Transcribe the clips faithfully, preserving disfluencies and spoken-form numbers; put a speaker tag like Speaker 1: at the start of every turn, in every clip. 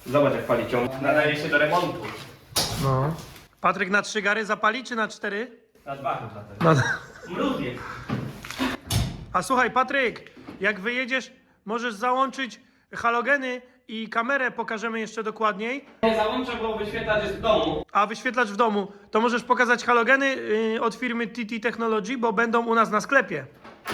Speaker 1: Zobacz jak pali ciąg. Nadaje się do remontu.
Speaker 2: No. Patryk na trzy gary zapali, czy na cztery?
Speaker 1: Na dwa chyba teraz.
Speaker 2: Na...
Speaker 1: Mróz jest.
Speaker 2: A słuchaj, Patryk, jak wyjedziesz, możesz załączyć halogeny i kamerę pokażemy jeszcze dokładniej.
Speaker 1: Nie załączę, bo wyświetlacz jest w domu.
Speaker 2: A wyświetlacz w domu, to możesz pokazać halogeny yy, od firmy T T Technology, bo będą u nas na sklepie.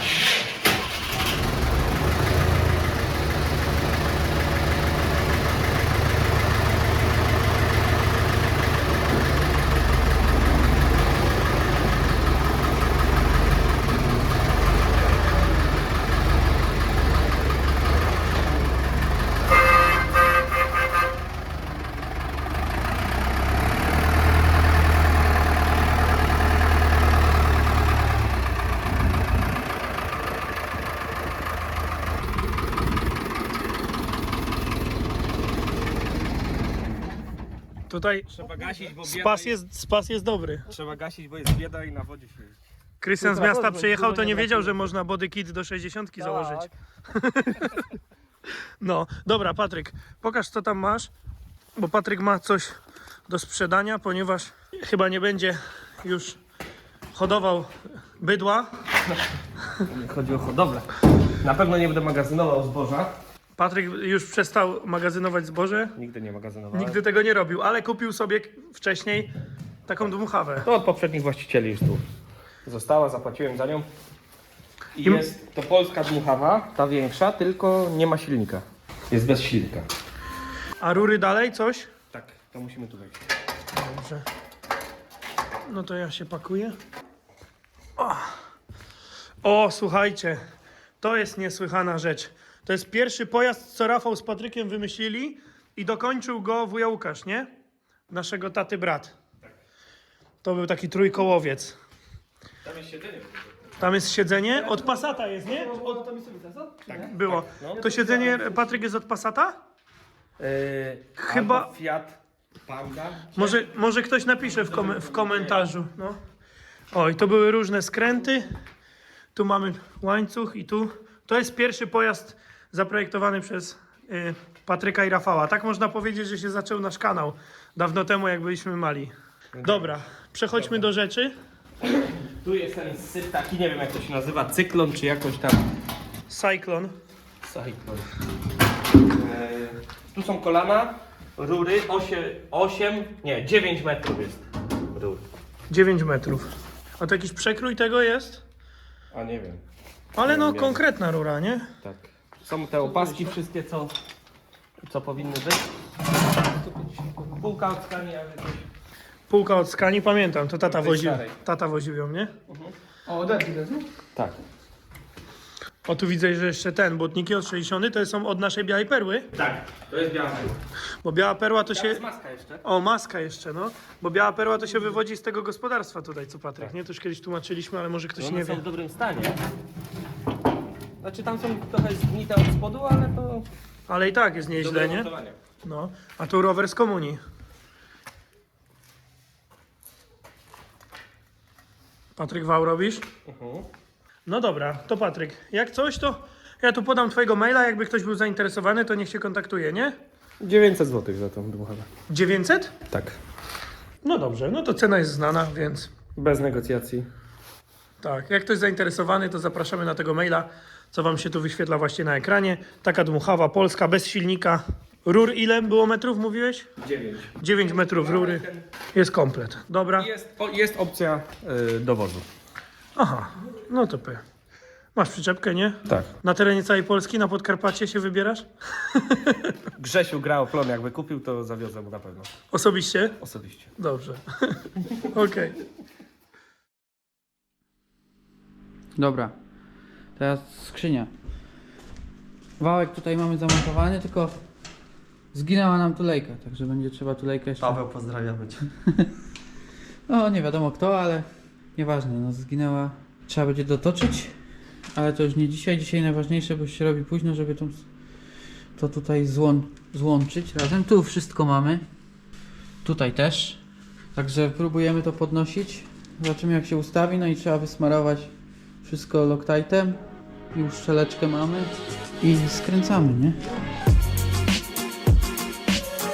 Speaker 2: Tutaj
Speaker 1: Trzeba gasić, bo bieda
Speaker 2: spas jest, spas jest dobry.
Speaker 1: Trzeba gasić, bo jest bieda i na wodzie się jeździ.
Speaker 2: Krystian z miasta przyjechał, to nie wiedział, że można body kit do sześćdziesiątki założyć. No, dobra, Patryk, pokaż co tam masz, bo Patryk ma coś do sprzedania, ponieważ chyba nie będzie już hodował bydła.
Speaker 1: Chodzi o hodowlę. Na pewno nie będę magazynował zboża.
Speaker 2: Patryk już przestał magazynować zboże,
Speaker 1: Nigdy nie magazynowałem.
Speaker 2: nigdy tego nie robił, ale kupił sobie wcześniej taką dmuchawę.
Speaker 1: To od poprzednich właścicieli już tu została, zapłaciłem za nią. I
Speaker 2: I-
Speaker 1: jest to polska dmuchawa, ta większa, tylko nie ma silnika. Jest bez silnika.
Speaker 2: A rury dalej, coś?
Speaker 1: Tak, to musimy tu wejść.
Speaker 2: Dobrze. No to ja się pakuję. O, o słuchajcie, to jest niesłychana rzecz. To jest pierwszy pojazd, co Rafał z Patrykiem wymyślili i dokończył go wuja Łukasz, nie? Naszego taty brat. To był taki trójkołowiec.
Speaker 1: Tam jest siedzenie.
Speaker 2: Tam jest siedzenie, od Passata jest, nie?
Speaker 1: Tak,
Speaker 2: Było.
Speaker 1: no.
Speaker 2: To siedzenie, Patryk, jest od Passata?
Speaker 1: Yy,
Speaker 2: Chyba-
Speaker 1: albo Fiat Panda.
Speaker 2: Może, może ktoś napisze w, kom w komentarzu. No. Oj, to były różne skręty. Tu mamy łańcuch i tu. To jest pierwszy pojazd zaprojektowany przez y, Patryka i Rafała. Tak można powiedzieć, że się zaczął nasz kanał dawno temu, jak byliśmy mali. Dobra, przechodźmy do rzeczy.
Speaker 1: Tu jest ten syp taki, nie wiem jak to się nazywa, cyklon czy jakoś tam.
Speaker 2: Cyclone.
Speaker 1: Cyklon. Yy, tu są kolana, rury, osiem, nie, dziewięć metrów jest rur.
Speaker 2: dziewięć metrów. A to jakiś przekrój tego jest?
Speaker 1: A nie wiem.
Speaker 2: Ale no,
Speaker 1: Nie.
Speaker 2: konkretna rura, nie?
Speaker 1: Tak. Są te opaski wszystkie, co, co powinny być. Półka od skani, ale coś.
Speaker 2: Półka od skani, pamiętam, to tata
Speaker 1: Tej
Speaker 2: woził,
Speaker 1: starej.
Speaker 2: tata woził ją, nie?
Speaker 3: O, derki też, nie?
Speaker 1: Tak.
Speaker 2: O, tu widzę, że jeszcze ten, błotniki od sześćdziesiąt to są od naszej białej perły,
Speaker 1: Tak, to jest biała perła.
Speaker 2: bo biała perła to
Speaker 1: To
Speaker 2: się...
Speaker 1: jest maska jeszcze.
Speaker 2: O, maska jeszcze, no. Bo biała perła to się wywodzi z tego gospodarstwa tutaj, co Patryk, nie? To już kiedyś tłumaczyliśmy, ale może ktoś
Speaker 1: One
Speaker 2: nie
Speaker 1: są
Speaker 2: wie.
Speaker 1: w dobrym stanie. Znaczy tam są trochę zgnite od spodu, ale to
Speaker 2: Ale i tak jest
Speaker 1: do
Speaker 2: nieźle, nie?
Speaker 1: remontowania.
Speaker 2: No. A tu rower z komunii. Patryk, wał robisz?
Speaker 1: Mhm.
Speaker 2: No dobra, to Patryk, jak coś, to ja tu podam twojego maila, jakby ktoś był zainteresowany, to niech się kontaktuje, nie?
Speaker 1: dziewięćset złotych za tą dmuchawę.
Speaker 2: dziewięćset?
Speaker 1: Tak.
Speaker 2: No dobrze, no to cena jest znana, więc
Speaker 1: Bez negocjacji.
Speaker 2: tak, jak ktoś zainteresowany, to zapraszamy na tego maila, co wam się tu wyświetla właśnie na ekranie. Taka dmuchawa polska, bez silnika. Rur ile było metrów, mówiłeś?
Speaker 1: dziewięć.
Speaker 2: dziewięć metrów rury. Jest komplet. Dobra.
Speaker 1: Jest, o, jest opcja y, dowozu.
Speaker 2: Aha, no to p. Masz przyczepkę, nie?
Speaker 1: Tak.
Speaker 2: Na terenie całej Polski, na Podkarpacie się wybierasz?
Speaker 1: Grzesiu gra o plon, jakby kupił, to zawiozę mu na pewno.
Speaker 2: Osobiście?
Speaker 1: Osobiście.
Speaker 2: Dobrze. Okej.
Speaker 3: Dobra. Teraz skrzynia. Wałek tutaj mamy zamontowany, tylko zginęła nam tulejka, także będzie trzeba tulejkę jeszcze...
Speaker 4: Paweł, pozdrawiamy cię.
Speaker 3: No nie wiadomo kto, ale nieważne, no zginęła. Trzeba będzie dotoczyć, ale to już nie dzisiaj. Dzisiaj najważniejsze, bo się robi późno, żeby to, to tutaj złą, złączyć razem. Tu wszystko mamy. Tutaj też. Także próbujemy to podnosić. Zobaczymy jak się ustawi, no i trzeba wysmarować wszystko Loctitem. Już szczeleczkę mamy i skręcamy, nie?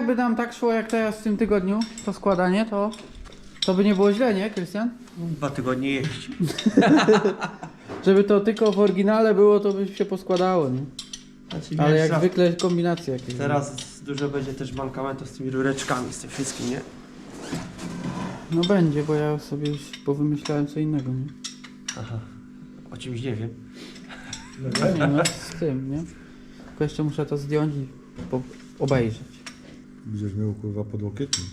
Speaker 3: jakby nam tak szło jak teraz w tym tygodniu, to składanie, to, to by nie było źle, nie, Krystian?
Speaker 1: Dwa tygodnie jeść.
Speaker 3: Żeby to tylko w oryginale było, to by się poskładało, nie?
Speaker 1: Znaczy,
Speaker 3: Ale
Speaker 1: wiesz,
Speaker 3: jak
Speaker 1: za-
Speaker 3: zwykle kombinacje jakieś.
Speaker 1: Teraz dużo będzie też mankamentów z tymi rureczkami, z tym wszystkim, nie?
Speaker 3: No będzie, bo ja sobie już powymyślałem co innego, nie?
Speaker 1: Aha. O czymś nie wiem.
Speaker 3: Nie no, z tym, nie? Tylko jeszcze muszę to zdjąć i po- obejrzeć.
Speaker 4: Będziesz miał kurwa podłokietnik.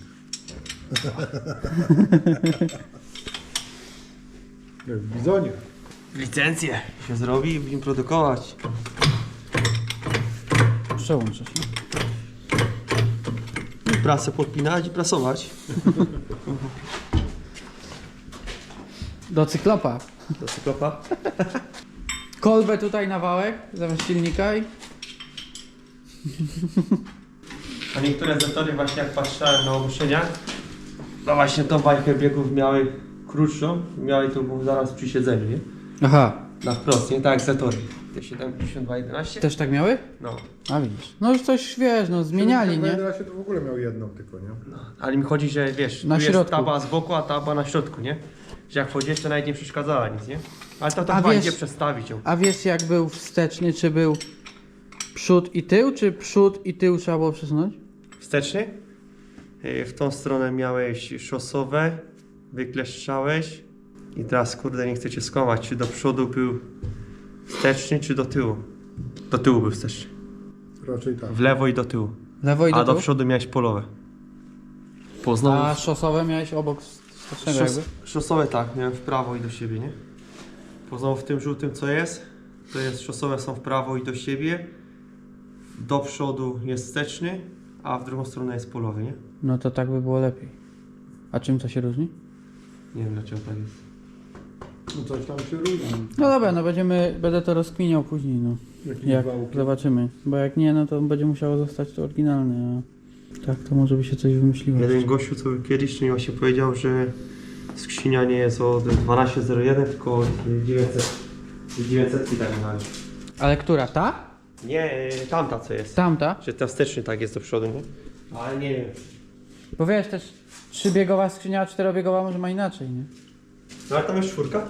Speaker 4: Jak w bizonie.
Speaker 1: Licencję się zrobi i będziemy produkować.
Speaker 3: Przełączę się.
Speaker 1: Prasę podpinać i prasować.
Speaker 3: Do cyklopa.
Speaker 1: Do cyklopa.
Speaker 3: Kolbę tutaj na wałek, zamiast silnika i...
Speaker 1: A niektóre zatory właśnie jak patrzyłem na ogłoszeniach, no właśnie tą bajkę biegów miały krótszą, miały to było zaraz przy siedzeniu, nie?
Speaker 3: Aha,
Speaker 1: Na wprost, nie? Tak jak zatory. Te siedemdziesiąt dwa jedenaście?
Speaker 3: też tak miały?
Speaker 1: No.
Speaker 3: A widzisz. No już coś, wiesz, no zmieniali, nie?
Speaker 4: Ja się to w ogóle miał jedną tylko, nie?
Speaker 1: no. Ale mi chodzi, że wiesz,
Speaker 3: Na
Speaker 1: tu jest
Speaker 3: środku.
Speaker 1: taba z boku, a taba na środku, nie? Że jak wchodzisz, to nawet nie przeszkadzała nic, nie? Ale to
Speaker 3: A
Speaker 1: to chyba
Speaker 3: wiesz-
Speaker 1: idzie przestawić ją.
Speaker 3: A wiesz jak był wsteczny, czy był przód i tył, czy przód i tył trzeba było przesunąć?
Speaker 1: Wsteczny? Yy, W tą stronę miałeś szosowe, wykleszczałeś i teraz kurde nie chcę cię skłamać, czy do przodu był wsteczny, czy do tyłu? Do tyłu był wsteczny.
Speaker 4: Raczej tak.
Speaker 1: W lewo i do tyłu.
Speaker 3: Lewo i do
Speaker 1: A do
Speaker 3: tyłu?
Speaker 1: przodu miałeś polowe. Po znowu
Speaker 3: A szosowe miałeś obok wstecznego
Speaker 1: szos,
Speaker 3: jakby?
Speaker 1: szosowe tak, miałem w prawo i do siebie, nie? Po znowu w tym żółtym co jest, to jest szosowe są w prawo i do siebie. Do przodu jest wsteczny, a w drugą stronę jest polowy, nie?
Speaker 3: No to tak by było lepiej. A czym to się różni?
Speaker 1: Nie wiem dlaczego tak jest.
Speaker 4: No coś tam się różni.
Speaker 3: No dobra, no będziemy, będę to rozkminiał później, no.
Speaker 4: Jakieś
Speaker 3: Jak
Speaker 4: wałki.
Speaker 3: zobaczymy. Bo jak nie, no to będzie musiało zostać to oryginalne, a tak to może by się coś wymyśliło.
Speaker 1: Jeden gościu co kiedyś to mi właśnie powiedział, że skrzynia nie jest od dwanaście zero jeden, tylko od dziewięćset. dziewięćset i tak dalej.
Speaker 3: Ale która? Ta?
Speaker 1: Nie, tamta co jest.
Speaker 3: Tamta?
Speaker 1: Że ten wsteczny tak jest do przodu, nie? Ale nie wiem.
Speaker 3: Bo wiesz, też trzybiegowa skrzynia, a czterobiegowa może ma inaczej, nie?
Speaker 1: No ale tam jest czwórka?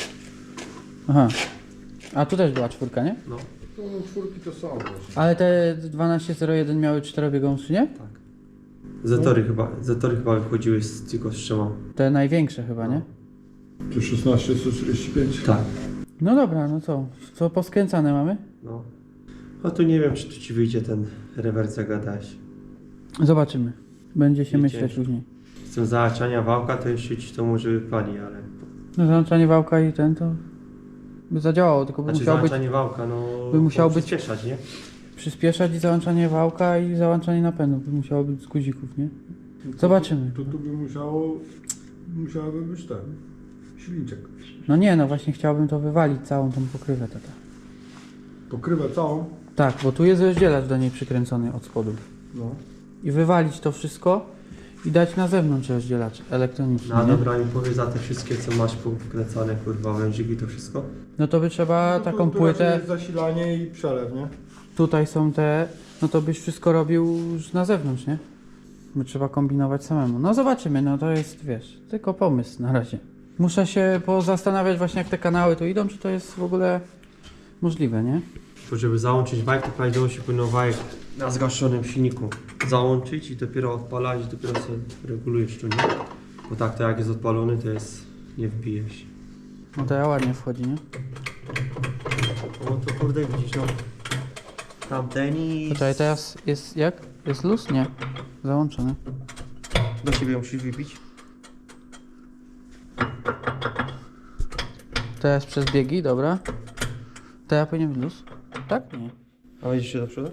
Speaker 3: Aha. A tu też była czwórka, nie?
Speaker 1: No.
Speaker 4: No, no czwórki to są właśnie.
Speaker 3: Ale te dwanaście zero jeden miały czterobiegową skrzynię?
Speaker 1: Tak. Zatory chyba, zatory chyba wychodziły z, tylko z trzema.
Speaker 3: Te największe chyba, nie?
Speaker 4: To szesnaście sto czterdzieści pięć.
Speaker 1: Tak.
Speaker 3: No dobra, no co? Co poskręcane mamy?
Speaker 1: No. A tu nie wiem, czy tu ci wyjdzie ten rewers, jak gadałeś.
Speaker 3: Zobaczymy. Będzie się
Speaker 1: Wiecie.
Speaker 3: myśleć później.
Speaker 1: Z tym zahaczania wałka to jeszcze ci to może wypali, ale...
Speaker 3: No załączanie wałka i ten to by zadziałało, tylko by
Speaker 1: Znaczy
Speaker 3: musiało być
Speaker 1: zahaczanie wałka, no...
Speaker 3: by musiało być-
Speaker 1: przyspieszać, nie?
Speaker 3: przyspieszać i załączanie wałka i załączanie napędu. By musiało być z guzików, nie? Zobaczymy.
Speaker 4: To tu by musiało, musiałaby być ten, silniczek.
Speaker 3: No nie, no właśnie chciałbym to wywalić, całą tą pokrywę tata.
Speaker 4: Pokrywę całą.
Speaker 3: Tak, bo tu jest rozdzielacz do niej przykręcony od spodu.
Speaker 4: No.
Speaker 3: I wywalić to wszystko i dać na zewnątrz rozdzielacz elektroniczny,
Speaker 1: No
Speaker 3: nie?
Speaker 1: dobra, mi powie za te wszystkie, co masz pokręcane, kurwa, wężyki, to wszystko?
Speaker 3: No to by trzeba
Speaker 4: No,
Speaker 3: taką
Speaker 4: tu, tu
Speaker 3: płytę,
Speaker 4: raczej jest zasilanie i przelew, nie?
Speaker 3: tutaj są te, no to byś wszystko robił już na zewnątrz, nie? By trzeba kombinować samemu. No zobaczymy, no to jest, wiesz, tylko pomysł na razie. Muszę się pozastanawiać właśnie jak te kanały tu idą, czy to jest w ogóle możliwe, nie?
Speaker 1: To żeby załączyć bajk, to prawidłowo się powinno bajk na zgaszonym silniku załączyć i dopiero odpalać, i dopiero sobie regulujesz tu, nie? Bo tak to jak jest odpalony, to jest... nie wbije się.
Speaker 3: No to ja ładnie wchodzi, nie?
Speaker 1: O to kurde widzisz, no. Tamten i...
Speaker 3: Poczekaj, teraz jest jak? Jest luz? Nie. Załączony.
Speaker 1: Do siebie musisz wybić.
Speaker 3: Teraz przez biegi, dobra. Teraz powinien być luz? Tak? Nie.
Speaker 1: A wejdziesz się do przodu?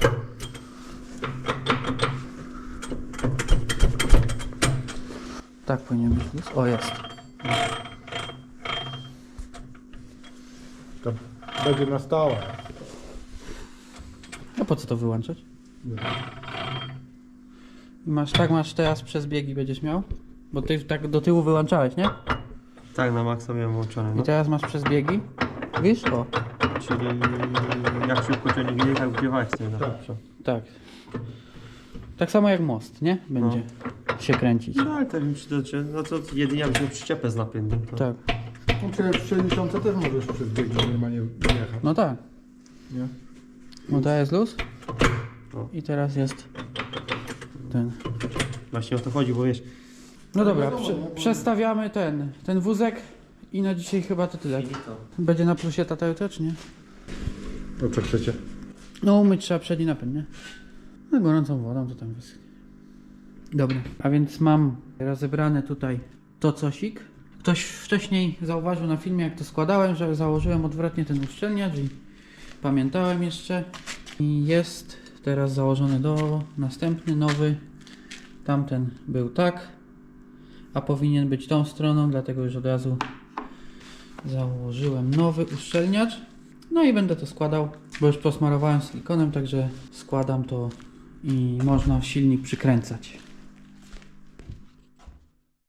Speaker 3: Tak powinien być luz. O, jest.
Speaker 4: To będzie na stałe.
Speaker 3: A po co to wyłączać?
Speaker 4: Nie.
Speaker 3: I masz, tak masz teraz przez biegi będziesz miał? Bo ty tak do tyłu wyłączałeś, nie?
Speaker 1: Tak, na maksa miałem włączone,
Speaker 3: I
Speaker 1: no.
Speaker 3: teraz masz przez biegi. Wiesz? O,
Speaker 1: Czyli jak szybko ciągnie, tak wgrzewałeś sobie na
Speaker 4: Tak.
Speaker 1: przód.
Speaker 3: tak. Tak samo jak most, nie? Będzie się kręcić.
Speaker 1: No ale tak wiem, czy to, czy, no to jedynie jakbyś miał przyczepę z napędem. To...
Speaker 3: Tak.
Speaker 4: No przecież w sześćdziesiątce też możesz przez bieg normalnie jechać,
Speaker 3: No tak.
Speaker 4: nie?
Speaker 3: No to jest luz.
Speaker 1: O.
Speaker 3: I teraz jest ten.
Speaker 1: Właśnie o to chodzi, bo wiesz,
Speaker 3: No dobra,
Speaker 4: wiadomo,
Speaker 3: prze,
Speaker 4: no bo-
Speaker 3: przestawiamy ten, ten wózek i na dzisiaj chyba to tyle. Będzie na plusie tata jutro, czy nie?
Speaker 4: No co chcecie?
Speaker 3: No umyć trzeba przedni napęd, nie? No gorącą wodą to tam wyschnie. Dobra, a więc mam rozebrane tutaj to cosik. Ktoś wcześniej zauważył na filmie, jak to składałem, że założyłem odwrotnie ten uszczelniacz i pamiętałem jeszcze. I jest teraz założony do następny, nowy. Tamten był tak, a powinien być tą stroną, dlatego już od razu założyłem nowy uszczelniacz. No i będę to składał, bo już posmarowałem silikonem, także składam to i można silnik przykręcać.